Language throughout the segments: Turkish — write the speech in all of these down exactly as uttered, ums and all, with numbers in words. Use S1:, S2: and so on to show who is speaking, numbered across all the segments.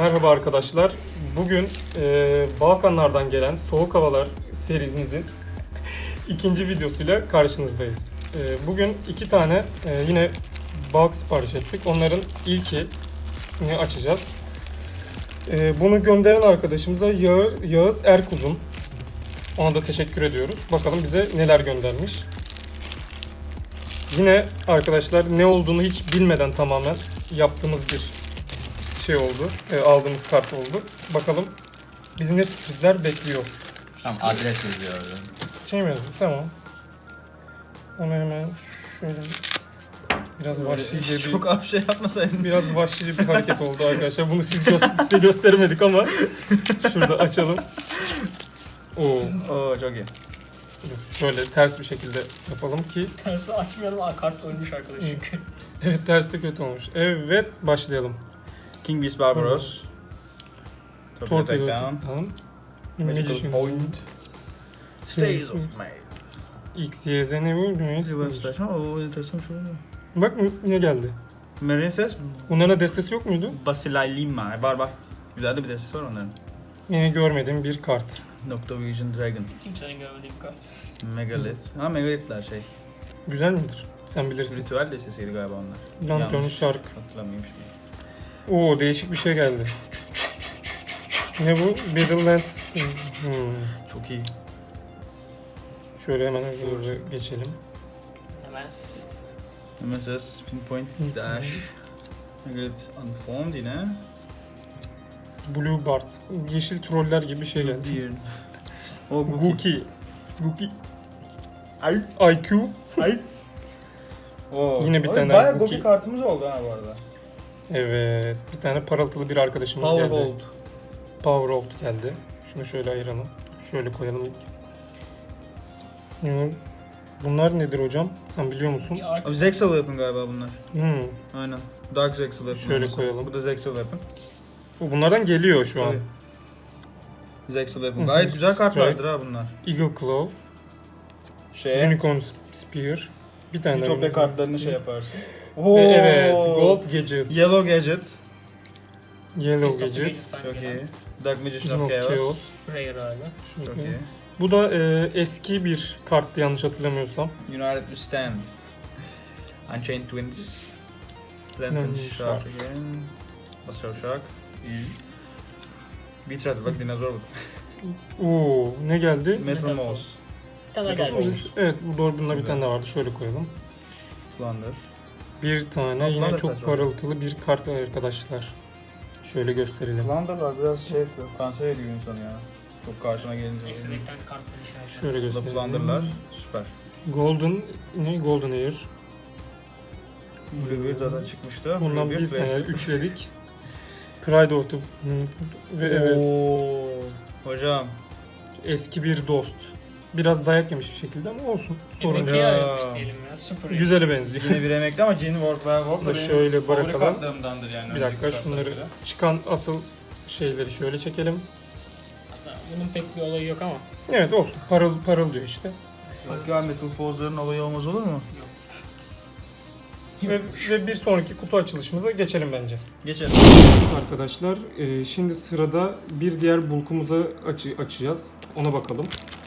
S1: Merhaba arkadaşlar. Bugün e, Balkanlardan gelen Soğuk Havalar serimizin ikinci videosuyla karşınızdayız. E, bugün iki tane e, yine bulk sipariş ettik. Onların ilkini açacağız. E, bunu gönderen arkadaşımıza Yağız, Yağız Erkuzum. Ona da teşekkür ediyoruz. Bakalım bize neler göndermiş. Yine arkadaşlar ne olduğunu hiç bilmeden tamamen yaptığımız bir şey oldu. E, aldığımız kart oldu. Bakalım bizi ne sürprizler bekliyor.
S2: Tamam, adres yazıyor.
S1: Şey mi yazdı? Tamam. Onu hemen şöyle biraz vahşice bir
S3: Çok az şey yapmasaydın.
S1: biraz vahşice bir hareket oldu arkadaşlar. Bunu siz gö- size göstermedik ama şurada açalım. Oo.
S3: Oo çok iyi.
S1: Şöyle ters bir şekilde yapalım ki
S4: Tersi açmayalım. Aa, kart ölmüş arkadaş çünkü.
S1: evet ters de kötü olmuş. Evet başlayalım.
S3: King Beast Barbaros. Torpedo
S1: Torpedo
S3: Takedown.
S1: Tamam.
S3: Magical
S1: Magician
S3: Point. Stays of May.
S1: X, Y, Z ne bu?
S3: Reverse Flash. Oo enteresan bir şey oldu.
S1: Bak ne geldi?
S3: Marine Says.
S1: Bunların destesi yok muydu?
S3: Basilay Lima. Var bak. Güzel de bir destesi var onların.
S1: Yine görmediğim bir kart.
S3: Noctovision Dragon.
S4: Kimsenin görmediği bir kart.
S3: Megalith. Ha Megalith'ler şey.
S1: Güzel midir? Sen bilirsin.
S3: Ritüel destesiydi galiba onlar.
S1: Lantern
S3: Yanlış
S1: Shark.
S3: hatırlamıyorum şimdi.
S1: Oo değişik bir şey geldi. Ne bu? Battlelands. Hmm.
S3: Çok iyi.
S1: Şöyle hemen hızlı geçelim.
S4: Hemen
S3: M S S, Pinpoint, Dash. Megalith Unformed yine.
S1: Blue Bard. Yeşil troller gibi bir şey geldi.
S3: Deer. O Gookie.
S1: Gookie. Gookie.
S3: Ay.
S1: I Q.
S3: Ay. Oo.
S1: Yine bir
S3: Abi
S1: tane
S3: bayağı
S1: Gookie.
S3: Gookie kartımız oldu ha bu arada.
S1: Evet. Bir tane parıltılı bir arkadaşımız
S3: Power
S1: geldi.
S3: Hold.
S1: Power Hold geldi. Şunu şöyle ayıralım. Şöyle koyalım ilk. Hmm. Bunlar nedir hocam? Sen biliyor musun?
S4: bir ark
S3: Abi Zexal Weapon galiba bunlar.
S1: Hmm.
S3: Aynen. Dark Zexal Weapon.
S1: Şöyle
S3: olması.
S1: koyalım.
S3: Bu da Zexal Weapon.
S1: Bu bunlardan geliyor şu an.
S3: Tabii. Zexal
S1: Hı
S3: Weapon.
S1: hı.
S3: Gayet güzel kartlardır
S1: Strike.
S3: ha bunlar.
S1: Eagle Claw.
S3: Şey.
S1: Unicorn Spear. Bir tane daha
S3: Ütopya
S1: Unicorn
S3: kartlarını
S1: Spear.
S3: şey yaparsın.
S1: Ve evet, Gold Gadget.
S3: Yellow Gadget.
S1: Yellow
S4: Fist of the
S1: Gadget.
S4: Mage'den
S3: Çok
S4: gelen
S3: iyi. Dark Magician
S1: No
S3: of Chaos.
S1: Chaos.
S4: Rare hali.
S1: Şunu
S3: Çok
S1: koyayım.
S3: iyi.
S1: Bu da e, eski bir karttı yanlış hatırlamıyorsam.
S3: United We Stand. Unchained Twins. Lantern
S1: Lantern
S3: Shark
S1: Shark.
S3: again. Basar Shark. İyi. Bitrate bak dinozor bak.
S1: Oo, ne geldi?
S3: Metal
S4: Metal
S3: Mouse.
S4: Bir tane
S3: Metal
S4: gelmiş.
S3: Mouse.
S1: Evet, bu doğru bunda bir
S3: Güzel.
S1: tane daha vardı. Şöyle koyalım.
S3: Plunder.
S1: Bir tane
S3: Ha,
S1: yine
S3: Plunder
S1: çok
S3: kaç var?
S1: parıltılı bir kart arkadaşlar. Şöyle gösterelim.
S3: Plunder'lar biraz şey yapıyor. Kanser ediyor insanı ya. Çok karşına gelince.
S4: Ekselekten kartları işaretler.
S1: Şöyle
S3: Bu da
S1: gösterelim.
S3: Plunder'lar. Süper.
S1: Golden ne? Golden Air.
S3: Bluebeard zaten çıkmıştı.
S1: Bundan bir
S3: Bluebeard
S1: tane
S3: ve-
S1: üçledik. Pride of the... Ve evet,
S3: Oo. Hocam.
S1: eski bir dost. Biraz dayak yemiş bir şekilde ama olsun. Sorun
S4: Sorun
S1: yok.
S3: ya.
S4: ya. Diyelim ya. Super.
S1: Güzele benziyor.
S3: Yine bir emekli ama Gene Ward ve Ward
S1: Bunu
S3: da benim
S1: şöyle
S3: favori
S1: bırakalım.
S3: kartlarımdandır yani.
S1: Bir dakika
S3: önceki
S1: şunları
S3: kartlara göre.
S1: çıkan asıl şeyleri şöyle çekelim.
S4: Aslında bunun pek bir olayı yok ama.
S1: Evet olsun. Parıl parıl diyor işte.
S3: Bak ya Metal Forz'ların olayı olmaz olur mu?
S1: Ve, ve bir sonraki kutu açılışımıza geçelim bence.
S3: Geçelim.
S1: Arkadaşlar e, şimdi sırada bir diğer bulkumuzu açı- açacağız. Ona bakalım.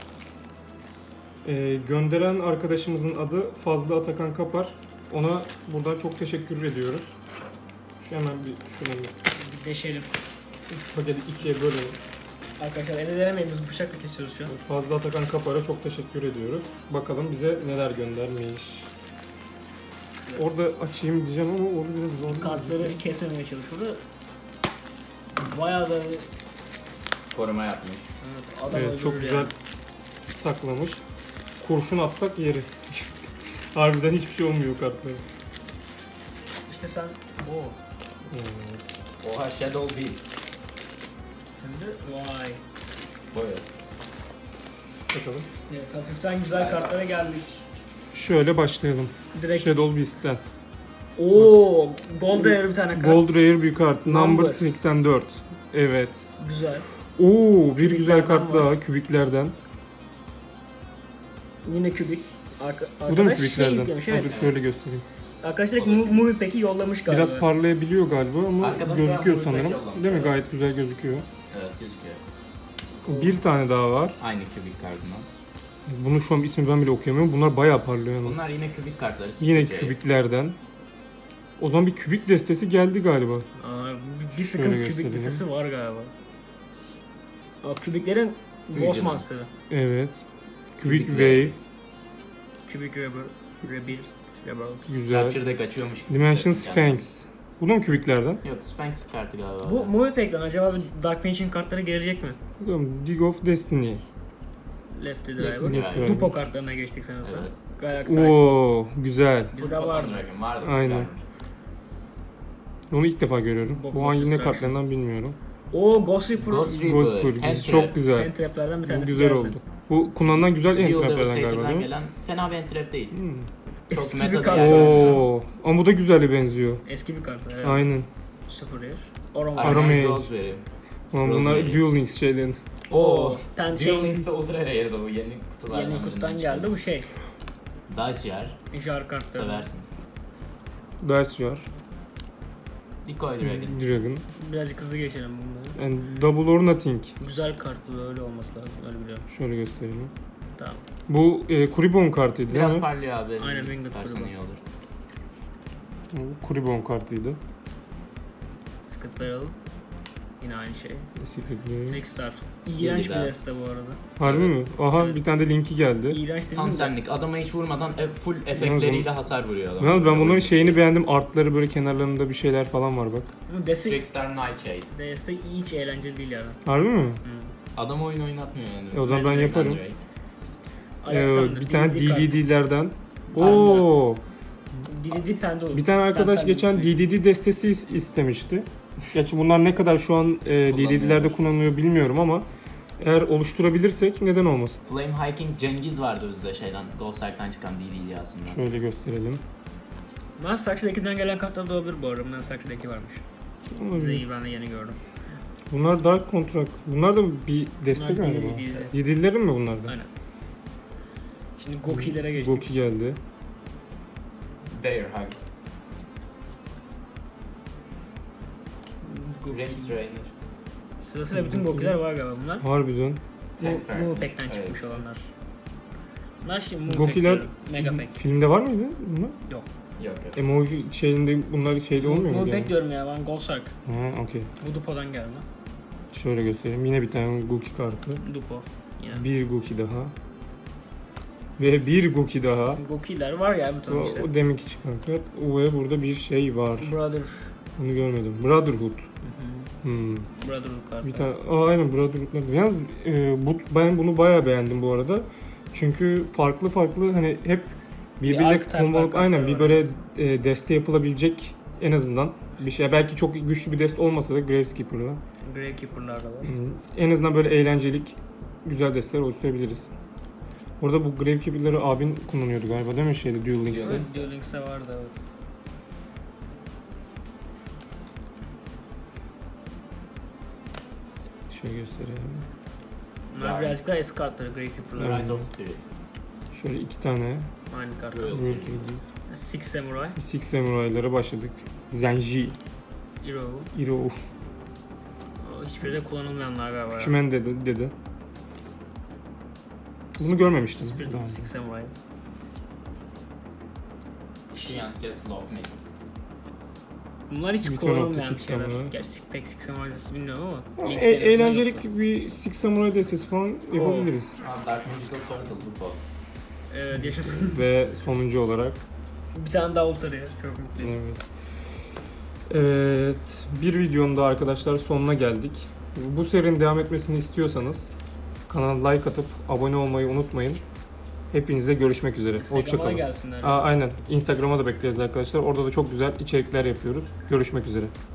S1: E, gönderen arkadaşımızın adı Fazlı Atakan Kapar. Ona buradan çok teşekkür ediyoruz. Şu hemen bir şunu
S4: Bir deşelim.
S1: bir paketi ikiye bölelim.
S4: Arkadaşlar elde denemeyin, biz bıçakla kesiyoruz şu an.
S1: Fazlı Atakan Kapar'a çok teşekkür ediyoruz. Bakalım bize neler göndermiş. Orada açayım diyeceğim ama orada biraz zor.
S4: Kartları kesemeye çalışıyordu. Bayağı da
S2: Koruma yapmış.
S4: evet, adam
S1: Evet, çok
S4: öldürür
S1: güzel
S4: yani.
S1: saklamış. Kurşun atsak yeri. Harbiden hiçbir şey olmuyor kartlara.
S4: İşte sen o.
S1: Evet.
S2: Oha, Shadow Beast.
S4: Şimdi vay.
S2: Buyur.
S1: Bakalım.
S4: Evet, hafiften güzel kartlara geldik.
S1: Şöyle başlayalım.
S4: Direkt.
S1: Shadow Beast'ten.
S4: Oo, Gold Rare bir tane kart.
S1: Gold Rare bir kart. Number
S4: Number.
S1: seksen dört. Evet.
S4: Güzel.
S1: Oo, bir
S4: Kübiklerden
S1: güzel kart
S4: var.
S1: daha kübiklerden.
S4: Yine kübik. Arka,
S1: Bu da mı
S4: arkadaş şey
S1: kübiklerden?
S4: yüklemiş,
S1: Ha,
S4: evet.
S1: dur şöyle göstereyim.
S4: Arkadaşlar Mu- Movie Pack'i yollamış galiba.
S1: Biraz parlayabiliyor galiba ama
S2: Arkadaşlar
S1: gözüküyor
S2: bu
S1: sanırım.
S2: ürünü yollamış.
S1: Değil mi? Gayet güzel gözüküyor.
S2: Evet gözüküyor.
S1: Bir tane daha var.
S2: Aynı kübik kartından.
S1: Bunun şu an ismi ben bile okuyamıyorum. Bunlar bayağı parlıyor yalnız.
S2: Bunlar yine kübik kartları.
S1: Yine
S2: Secret
S1: kübiklerden. O zaman bir kübik destesi geldi galiba.
S4: Aa, bir, bir sıkım
S1: Şöyle
S4: kübik
S1: göstereyim.
S4: listesi var galiba. Aa, kübiklerin
S2: Fusion.
S4: Boss Monster'ı.
S1: Evet. Kübik
S2: Kübik
S1: Wave.
S4: Kübik Rebel. Rebel. Rebel.
S1: Güzel.
S2: Capture'da kaçıyormuş. gibi
S1: Dimension
S2: hissettim kendimi.
S1: Sphinx. Bu da mı kübiklerden?
S2: Yok Sphinx kartı galiba.
S4: Bu Movie Pack'ten acaba bir Dark Magician kartları gelecek mi?
S1: Bakalım, Dig of Destiny.
S4: Lefty
S2: Lefty
S4: Driver.
S2: Driver.
S4: Dupo kartlarına geçtik sanırsam.
S2: Evet.
S4: Galaxy Ice.
S1: Oo, güzel.
S4: Bizde
S2: Photon
S4: vardı.
S2: Dragon vardı.
S1: Aynen.
S2: güzelmiş.
S1: Onu ilk defa görüyorum.
S4: Bob
S1: Bu an yine
S4: Destruction.
S1: kartlarından bilmiyorum.
S4: Oo Ghost Reaper.
S2: Ghost Reaper.
S1: Ghost Pool.
S2: Hand
S1: Çok
S2: Trap.
S1: güzel.
S4: Hand Trap'lerden bir
S1: Bu
S4: tanesi
S1: güzel
S4: geldi.
S1: oldu. Bu kullanılan güzel
S2: Dual
S1: entraplerden galiba
S2: Devastator'dan
S1: değil mi?
S2: gelen fena bir entrap değil.
S1: Hmm.
S2: Çok
S4: Eski
S2: meta
S4: bir
S2: da
S4: kart
S2: yani.
S4: sanırsam.
S1: Oo, ama bu da güzele benziyor.
S4: Eski bir kart. Evet.
S1: Aynen.
S4: Super Rare. Orama.
S1: Aram
S2: Iron
S1: Age.
S2: Roseberry.
S1: Ulan bunlar
S2: Rosemary.
S1: Duel Links şeylerin.
S4: Oo. Ten
S2: Duel
S4: şey
S2: Links'e Ultra Rare'di bu yeni kutulardan.
S4: yeni kutudan
S2: birinden
S4: geldi.
S2: çıkan.
S4: Bu şey.
S2: Dice Jar.
S4: Jar kartları.
S2: Seversin.
S1: Dice Jar.
S2: Decoy Dragon.
S1: Dragon.
S4: Birazcık hızlı geçelim bunları.
S1: And Double or Nothing.
S4: Güzel kart bu, öyle olması lazım. Öyle biliyorum.
S1: Şöyle göstereyim.
S4: Tamam.
S1: Bu e, Kuribon kartıydı değil
S2: Biraz
S1: mi?
S2: parlıyor abi.
S4: Aynen,
S2: Bir
S4: Winged
S2: tutarsan
S4: Kuribon.
S2: iyi olur.
S1: Bu Kuribon kartıydı.
S4: Secret Barrel. Yine aynı şey.
S1: Secret Way.
S4: Trickstar. İğrenç bir
S2: daha.
S4: deste bu arada.
S1: Harbi mi? Aha
S4: Evet.
S1: bir tane de linki geldi.
S4: İğrenç dedim
S2: Tam
S4: de.
S2: senlik. Adama hiç vurmadan e, full efektleriyle hasar vuruyor adam.
S1: Yalnız ben bunların şeyini beğendim. Artları böyle kenarlarında bir şeyler falan var bak.
S4: Ama deste,
S2: Trickstar Nightshade.
S4: deste hiç eğlenceli değil yani.
S1: Harbi mi?
S4: Hı.
S2: Adam oyun oynatmıyor yani.
S1: E o zaman ben
S4: Ben de-
S1: yaparım.
S2: Bence.
S1: Ee,
S4: Alexander,
S1: bir tane
S4: D D D
S1: D D D'lerden.
S4: Panda.
S1: Oo.
S4: D D D Pendulum.
S1: Bir tane arkadaş
S4: Panda
S1: geçen
S4: Pendulum.
S1: D D D destesi is- istemişti. Gerçi bunlar ne kadar şu an e, D D D'lerde kullanılıyor bilmiyorum ama eğer oluşturabilirsek neden olmasın?
S2: Flame Hiking Cengiz vardı bizde şeyden. Goldsark'tan çıkan D D İlyası'ndan.
S1: Şöyle gösterelim.
S4: Ben Saksı'dakinden gelen kartlar da olabilir bu arada. Ben Saksı'daki varmış. Bize
S1: Olabilir.
S4: iyi, ben de yeni gördüm.
S1: Bunlar Dark Contract. Bunlar da bir deste
S4: Bunlar
S1: galiba.
S4: D D D'de.
S1: D D D'lerin mi bunlar da?
S4: Aynen. Şimdi Goki'lere geçtik.
S1: Goki geldi.
S2: Bear Hug.
S4: Goki.
S2: Red Trainer.
S4: Sırasıyla bütün Goki'ler var galiba bunlar.
S1: Harbiden.
S2: Temper.
S4: Bu Mu Pack'ten
S2: Evet.
S4: çıkmış olanlar. Bunlar şimdi Mu Pack
S1: Goki'ler
S4: diyorum. Mega Pack.
S1: filmde var mıydı bunlar?
S2: Yok yok.
S1: Emoji şeyinde bunlar şeyde olmuyor
S4: Mu
S1: mu?
S4: Pack
S1: Yani?
S4: diyorum ya, ben Goldsark.
S1: Ha, okey.
S4: Bu Dupo'dan gelme.
S1: Şöyle göstereyim. Yine bir tane Goki kartı.
S4: Dupo. Yine.
S1: Bir Goki daha. Ve bir Goki daha.
S4: Goki'ler var ya bir
S1: O,
S4: ton işte.
S1: o deminki çıkan kart. Ve burada bir şey var.
S4: Brother.
S1: Onu görmedim. Brotherhood. Hmm.
S4: Brotherhood kartı.
S1: Bir tane. Aa aynen Brotherhood'lar. Yalnız e, bu, ben bunu bayağı beğendim bu arada. Çünkü farklı farklı hani hep birbirine
S4: archetype
S1: kombalıp
S4: var,
S1: aynen
S4: kartları
S1: bir böyle e, deste yapılabilecek en azından bir şey. Belki çok güçlü bir deste olmasa da Graveskeeper'la.
S4: Gravekeeper'lar da var.
S1: Hmm. En azından böyle eğlencelik güzel desteler oluşturabiliriz. Orada bu Gravekeeper'ları abin kullanıyordu galiba değil mi şeyde Duel Links'te?
S2: Duel
S4: Evet, Duel Links'e vardı evet.
S1: Şöyle gösterelim.
S4: Bunlar
S2: Yani.
S4: birazcık daha eski kartları Gravekeeper'lar.
S1: Evet.
S2: Right of Spirit.
S1: Şöyle iki tane
S4: Aynı kartlar.
S2: Royal.
S1: World
S4: Six Samurai.
S1: Six Samurai'lara başladık. Zenji,
S4: Hero.
S1: Iro,
S4: O hiçbiri de kullanılmayanlar galiba. ya.
S1: Küçümen dedi, dedi. Bunu görmemiştim.
S4: Spirit
S1: daha
S4: of
S1: önce.
S4: Six Samurai.
S2: Shian's Castle of Mist.
S4: Bunlar hiç
S1: Return of the
S4: kullanılmayan
S1: Six
S4: şeyler.
S1: Samurai.
S4: Gerçi pek Six Samurai dizisi bilmiyorum ama.
S1: E-
S4: ilk serisinde yoktu.
S1: eğlencelik bir Six Samurai destesi falan yapabiliriz.
S2: Abi Dark Magical Circle Lupo.
S4: Evet yaşasın.
S1: Ve sonuncu olarak.
S4: Bir tane daha Ultra Rare. Çok mutluyum.
S1: Evet. Evet, bir videonun da arkadaşlar sonuna geldik. Bu serinin devam etmesini istiyorsanız kanala like atıp abone olmayı unutmayın. Hepinizle görüşmek üzere.
S4: Instagram'a
S1: Hoşçakalın.
S4: gelsinler.
S1: Aa, aynen. Instagram'a da bekleriz arkadaşlar. Orada da çok güzel içerikler yapıyoruz. Görüşmek üzere.